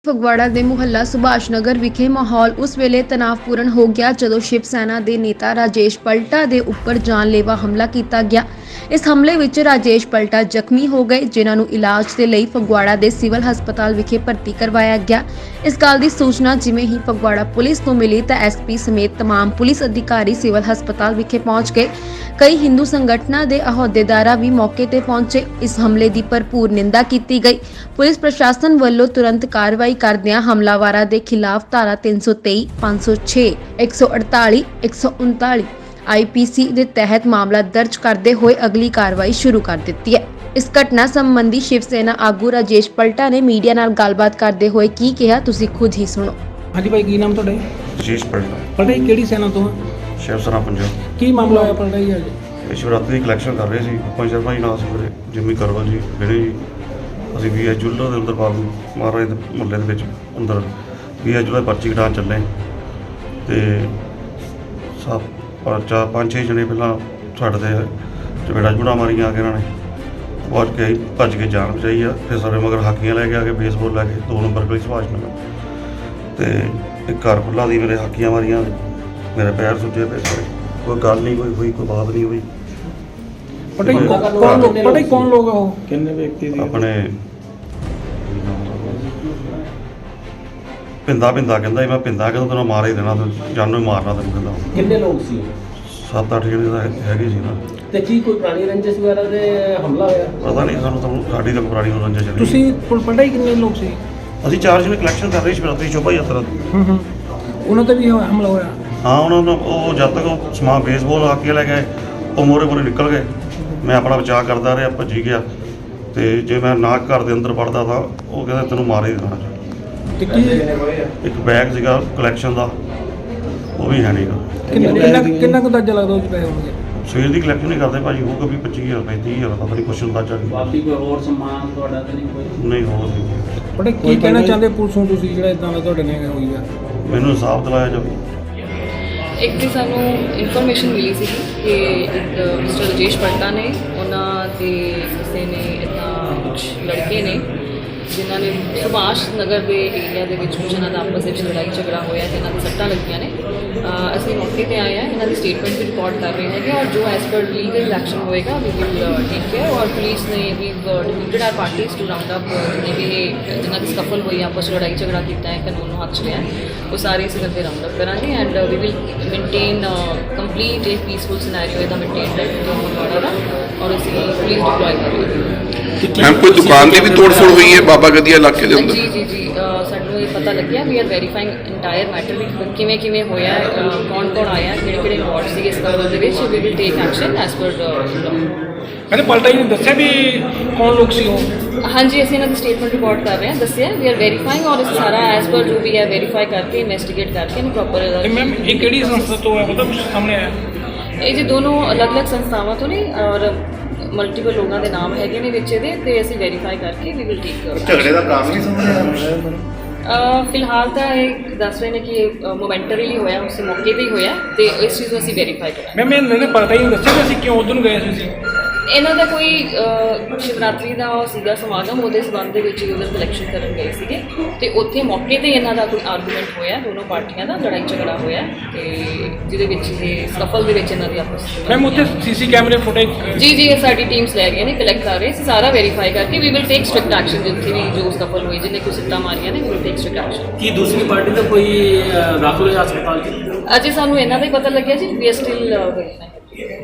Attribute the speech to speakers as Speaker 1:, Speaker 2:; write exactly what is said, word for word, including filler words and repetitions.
Speaker 1: ਫਗਵਾੜਾ ਦੇ ਮੁਹੱਲਾ ਸੁਭਾਸ਼ ਨਗਰ ਵਿਖੇ ਮਾਹੌਲ ਉਸ ਵੇਲੇ ਤਣਾਅਪੂਰਨ ਹੋ ਗਿਆ ਜਦੋਂ ਸ਼ਿਵ ਸੈਨਾ ਦੇ ਨੇਤਾ ਰਾਜੇਸ਼ ਪਲਟਾ ਦੇ ਉੱਪਰ ਜਾਨਲੇਵਾ ਹਮਲਾ ਕੀਤਾ ਗਿਆ। ਇਸ ਹਮਲੇ ਵਿੱਚ ਰਾਜੇਸ਼ ਪਲਟਾ ਜ਼ਖਮੀ ਹੋ ਗਏ, ਜਿਨ੍ਹਾਂ ਨੂੰ ਇਲਾਜ ਦੇ ਲਈ ਫਗਵਾੜਾ ਦੇ ਸਿਵਲ ਹਸਪਤਾਲ ਵਿਖੇ ਭਰਤੀ ਕਰਵਾਇਆ ਗਿਆ। ਇਸ ਗੱਲ ਦੀ ਸੂਚਨਾ ਜਿਵੇਂ ਹੀ ਫਗਵਾੜਾ ਪੁਲਿਸ ਨੂੰ ਮਿਲੀ ਤਾਂ ਐਸਪੀ ਸਮੇਤ तमाम ਪੁਲਿਸ ਅਧਿਕਾਰੀ ਸਿਵਲ ਹਸਪਤਾਲ ਵਿਖੇ ਪਹੁੰਚ ਗਏ। ਕਈ ਹਿੰਦੂ ਸੰਗਠਨਾਂ ਦੇ ਅਹੁਦੇਦਾਰਾਂ ਵੀ ਮੌਕੇ ਤੇ ਪਹੁੰਚੇ। ਇਸ ਹਮਲੇ ਦੀ ਭਰਪੂਰ ਨਿੰਦਾ ਕੀਤੀ ਗਈ। ਪੁਲਿਸ ਪ੍ਰਸ਼ਾਸਨ ਵੱਲੋਂ ਤੁਰੰਤ ਕਾਰਵਾਈ ਕਰਦਿਆਂ ਹਮਲਾਵਰਾਂ ਦੇ ਖਿਲਾਫ ਧਾਰਾ ਤਿੰਨ ਸੌ ਤੇਈ, ਪੰਜ ਸੌ ਛੇ, ਇੱਕ ਸੌ ਅੜਤਾਲੀ, ਇੱਕ ਸੌ ਉਨਤਾਲੀ ਆਈ ਪੀ ਸੀ ਦੇ ਤਹਿਤ ਮਾਮਲਾ ਦਰਜ ਕਰਦੇ ਹੋਏ ਅਗਲੀ ਕਾਰਵਾਈ ਸ਼ੁਰੂ ਕਰ ਦਿੱਤੀ ਹੈ। ਇਸ ਘਟਨਾ ਸੰਬੰਧੀ ਸ਼ਿਵ ਸੈਨਾ ਆਗੂ ਰਾਜੇਸ਼ ਪਲਟਾ ਨੇ ਮੀਡੀਆ ਨਾਲ ਗੱਲਬਾਤ ਕਰਦੇ ਹੋਏ ਕੀ ਕਿਹਾ, ਤੁਸੀਂ ਖੁਦ ਹੀ ਸੁਣੋ।
Speaker 2: ਹਾਂਜੀ ਭਾਈ, ਕੀ ਨਾਮ ਤੁਹਾਡਾ?
Speaker 3: ਰਾਜੇਸ਼ ਪਲਟਾ।
Speaker 2: ਪਲਟਾ ਜੀ ਕਿਹੜੀ ਸੈਨਾ ਤੋਂ?
Speaker 3: ਸ਼ਿਵ ਸੈਨਾ ਪੰਜਾਬ।
Speaker 2: ਕੀ ਮਾਮਲਾ ਹੋਇਆ ਪਲਟਾ ਜੀ ਅੱਜ?
Speaker 3: ਇਹ ਸ਼ਿਵਰਾਤਰੀ ਦੀ ਕਲੈਕਸ਼ਨ ਕਰ ਰਹੇ ਸੀ। ਪੰਜ ਸ਼ਰਮਾ ਜੀ ਨਾਲ ਸੀ ਮੇਰੇ, ਜਿੰਮੀ ਕਰਵਲ ਜੀ, ਵਿਨੇ ਜੀ। ਅਸੀਂ ਵੀ ਜੁੱਲਰ ਦੇ ਅੰਦਰ ਬਾਬੂ ਮਹਾਰਾਜ ਦੇ ਮੁਹੱਲੇ ਦੇ ਵਿੱਚ ਅੰਦਰ ਵੀ ਜੁੱਲਰ ਪਰਚੀ ਕਟਾਉਣ ਚੱਲੇ ਅਤੇ ਸਭ ਚਾਰ ਪੰਜ ਛੇ ਜਣੇ ਪਹਿਲਾਂ ਸਾਡੇ ਦੇ ਚਪੇੜਾ ਚੂੜਾ ਮਾਰੀਆਂ ਆ ਕੇ ਇਹਨਾਂ ਨੇ ਭੱਜ ਕੇ ਭੱਜ ਕੇ ਜਾਨ ਬਚਾਈ ਆ। ਫਿਰ ਸਾਡੇ ਮਗਰ ਹਾਕੀਆਂ ਲੈ ਕੇ ਆ ਕੇ ਬੇਸਬਾਲ ਲੈ ਕੇ ਦੋ ਨੰਬਰ ਗਲੀ ਸੁਭਾਸ਼ ਨਗਰ ਅਤੇ ਇੱਕ ਘਰ ਖੁੱਲ੍ਹਾ ਦੀ ਮੇਰੇ ਹਾਕੀਆਂ ਮਾਰੀਆਂ, ਮੇਰੇ ਪੈਰ ਸੁੱਜੇ ਪਏ ਸਾਰੇ। ਕੋਈ ਗੱਲ ਨਹੀਂ ਕੋਈ ਹੋਈ, ਕੋਈ ਬਾਤ ਨਹੀਂ ਹੋਈ।
Speaker 2: ਪਤਾ ਹੀ ਕੌਣ ਪਤਾ ਹੀ ਕੌਣ ਲੋਕ ਆ ਉਹ? ਕਿੰਨੇ ਵਿਅਕਤੀ ਸੀ? ਆਪਣੇ
Speaker 3: ਪਿੰਦਾ ਪਿੰਦਾ ਕਹਿੰਦਾ ਮੈਂ ਪਿੰਦਾ ਕਹਿੰਦਾ ਤੈਨੂੰ ਮਾਰ ਹੀ ਦੇਣਾ, ਜਾਨੋਂ ਹੀ ਮਾਰਨਾ ਤੈਨੂੰ ਕਹਿੰਦਾ।
Speaker 4: ਕਿੰਨੇ ਲੋਕ ਸੀ?
Speaker 3: ਸੱਤ ਅੱਠ ਜਣੇ ਤਾਂ ਹੈਗੇ ਸੀ ਨਾ।
Speaker 4: ਤੇ ਕੀ ਕੋਈ ਪੁਰਾਣੀ ਰੰਜਿਸ਼ ਵਗੈਰਾ ਦੇ ਹਮਲਾ ਹੋਇਆ?
Speaker 3: ਪਤਾ ਨਹੀਂ ਸਾਨੂੰ, ਤੁਹਾਨੂੰ ਸਾਡੀ ਤਾਂ ਪੁਰਾਣੀ ਰੰਜਿਸ਼ ਚੱਲੀ।
Speaker 2: ਤੁਸੀਂ ਪਲਟਾ ਹੀ ਕਿੰਨੇ ਲੋਕ ਸੀ?
Speaker 3: ਅਸੀਂ ਚਾਰ ਜਣੇ ਕਲੈਕਸ਼ਨ ਕਰ ਰਹੇ ਸੀ ਸ਼ਿਵਰਾਤਰੀ ਸ਼ੋਭਾ ਯਾਤਰਾ ਦੀ।
Speaker 2: ਹੂੰ ਹੂੰ ਉਹਨਾਂ ਤੇ ਵੀ ਹਮਲਾ ਹੋਇਆ?
Speaker 3: ਹਾਂ, ਉਹਨਾਂ ਨੂੰ ਉਹ ਜਦ ਤੱਕ ਉਹ ਸਮਾਨ ਬੇਸਬਾਲ ਆ ਕੇ ਲੈ ਗਏ, ਉਹ ਮੋਰੇ ਮੋਰੇ ਨਿਕਲ ਗਏ। ਮੈਂ ਆਪਣਾ ਬਚਾਅ ਕਰਦਾ ਰਿਹਾ, ਭੱਜੀ ਗਿਆ। ਅਤੇ ਜੇ ਮੈਂ ਨਾ ਘਰ ਦੇ ਅੰਦਰ ਵੜਦਾ ਤਾਂ ਉਹ ਕਹਿੰਦਾ ਤੈਨੂੰ ਮਾਰ ਹੀ ਦੇਣਾ।
Speaker 2: ਤੇ ਕੀ
Speaker 3: ਇੱਕ ਬੈਗ ਸੀਗਾ ਕਲੈਕਸ਼ਨ ਦਾ, ਉਹ ਵੀ ਹੈ ਨਹੀਂਗਾ।
Speaker 2: ਕਿੰਨਾ ਕਿੰਨਾ ਕੁ ਅੰਦਾਜ਼ਾ ਲੱਗਦਾ ਉਹ 'ਚ ਪੈਸੇ ਹੋਣਗੇ?
Speaker 3: ਸਵੇਰ ਦੀ ਕਲੈਕਸ਼ਨ ਨਹੀਂ ਕਰਦੇ ਭਾਜੀ, ਹੋਊਗਾ ਵੀ ਪੱਚੀ ਹਜ਼ਾਰ ਪੈਂਤੀ ਹਜ਼ਾਰ ਪਤਾ ਨਹੀਂ ਕੁਛ ਅੰਦਾਜ਼ਾ ਨਹੀਂ।
Speaker 4: ਬਾਕੀ ਕੋਈ ਹੋਰ ਸਮਾਨ ਤੁਹਾਡਾ ਤਾਂ ਨਹੀਂ ਕੋਈ?
Speaker 3: ਨਹੀਂ ਹੋਰ ਨਹੀਂ।
Speaker 2: ਪਤਾ ਕੀ ਕਹਿਣਾ ਚਾਹੁੰਦੇ ਪੁਲਿਸ ਨੂੰ ਤੁਸੀਂ, ਜਿਹੜਾ ਇਦਾਂ ਦਾ ਤੁਹਾਡੇ ਨਾਲ ਹੋਈ ਆ?
Speaker 3: ਮੈਨੂੰ ਇਨਸਾਫ ਦਿਲਾਇਆ ਜਾਵੇ।
Speaker 5: ਇੱਕ ਦੀ ਸਾਨੂੰ ਇਨਫੋਰਮੇਸ਼ਨ ਮਿਲੀ ਸੀ ਕਿ ਇੱਕ ਮਿਸਟਰ ਰਾਜੇਸ਼ ਪਲਟਾ ਨੇ, ਉਹਨਾਂ ਦੇ ਕਿਸੇ ਨੇ ਇੱਦਾਂ ਕੁਛ ਲੜਕੇ ਨੇ ਜਿਨ੍ਹਾਂ ਨੇ ਸੁਭਾਸ਼ ਨਗਰ ਦੇ ਏਰੀਆ ਦੇ ਵਿੱਚ ਕੁਝ ਇਹਨਾਂ ਦਾ ਆਪਸ ਵਿੱਚ ਲੜਾਈ ਝਗੜਾ ਹੋਇਆ ਅਤੇ ਇਹਨਾਂ ਦੀ ਸੱਟਾਂ ਲੱਗੀਆਂ ਨੇ। ਅਸੀਂ ਮੌਕੇ 'ਤੇ ਆਏ ਹਾਂ, ਇਹਨਾਂ ਦੀ ਸਟੇਟਮੈਂਟ ਵੀ ਰਿਕਾਰਡ ਕਰ ਰਹੇ ਹੈਗੇ ਔਰ ਜੋ ਐਜ਼ ਪਰ ਲੀਗਲ ਐਕਸ਼ਨ ਹੋਏਗਾ ਵੀ ਵਿਲ ਟੇਕ ਕੇਅਰ। ਔਰ ਪੁਲਿਸ ਨੇ ਵੀ deputed are parties to round up ਜਿੰਨੇ ਵੀ ਇਹ ਜਿਨ੍ਹਾਂ ਦੀ ਸਕਫਲ ਹੋਈ, ਆਪਸ ਵਿੱਚ ਲੜਾਈ ਝਗੜਾ ਕੀਤਾ ਹੈ, ਕਾਨੂੰਨ ਨੂੰ ਹੱਥ 'ਚ ਲਿਆ, ਉਹ ਸਾਰੇ ਅਸੀਂ ਅੱਗੇ ਰਾਊਂਡ ਅਪ ਕਰਾਂਗੇ and we will maintain complete ਇਹ ਪੀਸਫੁਲ ਸਿਨੈਰੀਓ ਇਹਦਾ ਮੇਨਟੇਨ ਰੱਖਦੇ ਫਗਵਾੜਾ ਦਾ। ਔਰ ਅਸੀਂ ਪੁਲਿਸ ਡਿਪਲੋਏ ਕਰ ਰਹੇ ਹਾਂ।
Speaker 6: ਮੈਮ ਕੋਈ ਦੁਕਾਨ ਦੀ ਵੀ ਤੋੜ-ਫੋੜ ਹੋਈ ਹੈ ਬਾਬਾ ਗਦੀਆ ਇਲਾਕੇ ਦੇ ਅੰਦਰ?
Speaker 5: ਜੀ ਜੀ ਜੀ ਸਾਨੂੰ ਇਹ ਪਤਾ ਲੱਗਿਆ we are verifying entire matter ਵੀ ਕਿਵੇਂ ਕਿਵੇਂ ਹੋਇਆ, ਕੌਣ ਕੌਣ ਆਇਆ, ਕਿਹੜੇ ਕਿਹੜੇ ਵਾਰਡ ਸੀ ਇਸ ਕੰਮ ਦੇ ਵਿੱਚ। We will take action as per law.
Speaker 2: ਕਹਿੰਦੇ ਪਲਟਾ ਜੀ ਨੇ ਦੱਸਿਆ ਵੀ ਕੌਣ ਲੋਕ ਸੀ ਉਹ?
Speaker 5: ਹਾਂਜੀ, ਅਸੀਂ ਇਹਨਾਂ ਦੀ ਸਟੇਟਮੈਂਟ ਰਿਕਾਰਡ ਕਰ ਰਹੇ ਹਾਂ, ਦੱਸਿਆ ਵੀ ਆਰ ਵੈਰੀਫਾਈਂਗ ਔਰ ਇਸ ਸਾਰਾ ਐਜ਼ ਪਰ ਜੋ ਵੀ ਹੈ ਵੈਰੀਫਾਈ ਕਰਕੇ ਇਨਵੈਸਟੀਗੇਟ ਕਰਕੇ ਇਹਨੂੰ ਪ੍ਰੋਪਰ।
Speaker 2: ਮੈਮ ਇਹ ਕਿਹੜੀ ਸੰਸਥਾ ਤੋਂ ਹੈ, ਪਤਾ ਕੁਝ ਸਾਹਮਣੇ ਆਇਆ?
Speaker 5: ਇਹ ਜੀ ਦੋਨੋਂ ਅਲੱਗ-ਅਲੱਗ ਸੰਸਥਾਵਾਂ ਤੋਂ ਨੇ ਔਰ ਮਲਟੀਪਲ ਲੋਕਾਂ ਦੇ ਨਾਮ ਹੈਗੇ ਨੇ ਵਿੱਚ ਇਹਦੇ, ਤੇ ਅਸੀਂ ਵੈਰੀਫਾਈ ਕਰਕੇ ਵੀ ਵਿਲ ਟੇਕ।
Speaker 3: ਝਗੜੇ ਦਾ ਕਾਰਨ ਨਹੀਂ ਸਮਝ ਆਇਆ?
Speaker 5: ਫਿਲਹਾਲ ਤਾਂ ਇਹ ਦੱਸ ਰਹੇ ਨੇ ਕਿ ਮੋਮੈਂਟਰੀਲੀ ਹੋਇਆ, ਉਸੇ ਮੌਕੇ 'ਤੇ ਹੀ ਹੋਇਆ ਤੇ ਇਸ ਚੀਜ਼ ਨੂੰ ਅਸੀਂ ਵੈਰੀਫਾਈ ਕਰਾਂਗੇ।
Speaker 2: ਮੈਮ ਇਹਨਾਂ ਨੇ ਪਤਾ ਹੀ ਨਹੀਂ ਦੱਸਿਆ ਕਿ ਅਸੀਂ ਕਿਉਂ ਉੱਧਰ ਨੂੰ ਗਏ ਸੀ?
Speaker 5: ਇਹਨਾਂ ਦਾ ਕੋਈ ਸ਼ਿਵਰਾਤਰੀ ਦਾ ਸੀਗਾ ਸਮਾਗਮ, ਉਹਦੇ ਸੰਬੰਧ ਦੇ ਵਿੱਚ ਹੀ ਉਧਰ ਕਲੈਕਸ਼ਨ ਕਰਨ ਗਏ ਸੀਗੇ ਅਤੇ ਉੱਥੇ ਮੌਕੇ 'ਤੇ ਇਹਨਾਂ ਦਾ ਕੋਈ ਆਰਗੂਮੈਂਟ ਹੋਇਆ, ਦੋਨੋਂ ਪਾਰਟੀਆਂ ਦਾ ਲੜਾਈ ਝਗੜਾ ਹੋਇਆ ਅਤੇ ਜਿਹਦੇ ਵਿੱਚ ਇਹ ਸਫਲ ਦੇ ਵਿੱਚ ਇਹਨਾਂ ਦੀ ਆਪਸ।
Speaker 2: ਮੈਮ ਉੱਥੇ ਸੀ ਸੀ ਕੈਮਰੇ ਫੁਟੇਜ?
Speaker 5: ਜੀ ਜੀ ਇਹ ਸਾਡੀ ਟੀਮਸ ਲੈ ਗਏ ਨੇ, ਕਲੈਕਟ ਕਰ ਰਹੇ ਅਸੀਂ ਸਾਰਾ ਵੈਰੀਫਾਈ ਕਰਕੇ we will take strict action. ਜਿੱਥੇ ਵੀ ਜੋ ਸਫਲ ਹੋਈ, ਜਿਹਨੇ ਕੋਈ ਸਿੱਟਾਂ ਮਾਰੀਆਂ ਨੇ, ਵਿਲ ਟੇਕ ਸਟ੍ਰਿਕਟ ਐਕਸ਼ਨ।
Speaker 4: ਕੀ ਦੂਸਰੀ ਪਾਰਟੀ ਦਾ ਕੋਈ ਦਾਖਲ ਹੋਇਆ ਹਸਪਤਾਲ 'ਚ?
Speaker 5: ਅਜੇ ਸਾਨੂੰ ਇਹਨਾਂ ਦਾ ਹੀ ਪਤਾ ਲੱਗਿਆ ਜੀ, ਵੀ ਆਰ ਸਟਿਲ ਵੈਰੀਫਾਈ।